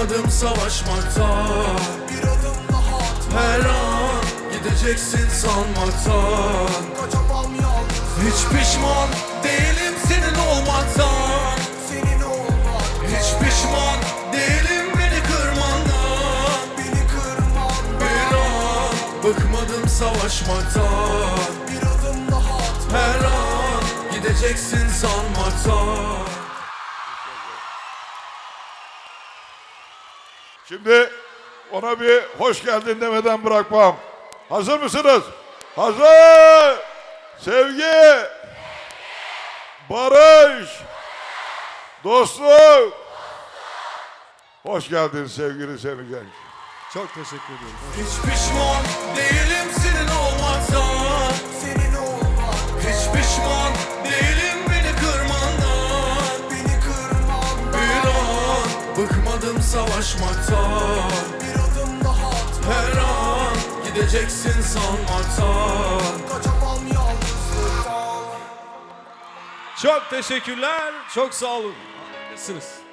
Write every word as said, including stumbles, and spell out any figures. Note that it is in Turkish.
Bıkmadım savaşmaktan. Bir adım daha atma. Her an gideceksin sanmaktan. Kaçamam yalnız. Hiç pişman değilim senin olmaktan. Senin olmak. Hiç pişman değilim beni kırmandan. Beni kırman. Bir an bıkmadım savaşmaktan. Bir adım daha atma. Her an gideceksin sanmaktan. Şimdi ona bir hoş geldin demeden bırakmam. Hazır mısınız? Hazır! Sevgi, barış, dostluk. Hoş geldin sevgili Semih Genç. Çok teşekkür ediyorum. Hiç pişman değilim senin olmaktan. Senin olmak. Hiç pişman değilim beni kırmandan. Beni kırman. Bir an bıkmadım savaşmaktan. Bir adım daha atma. Her an gideceksin sanmaktan. Kaçamam yalnızlıktan. Çok teşekkürler. Çok sağ olun. Harikasınız.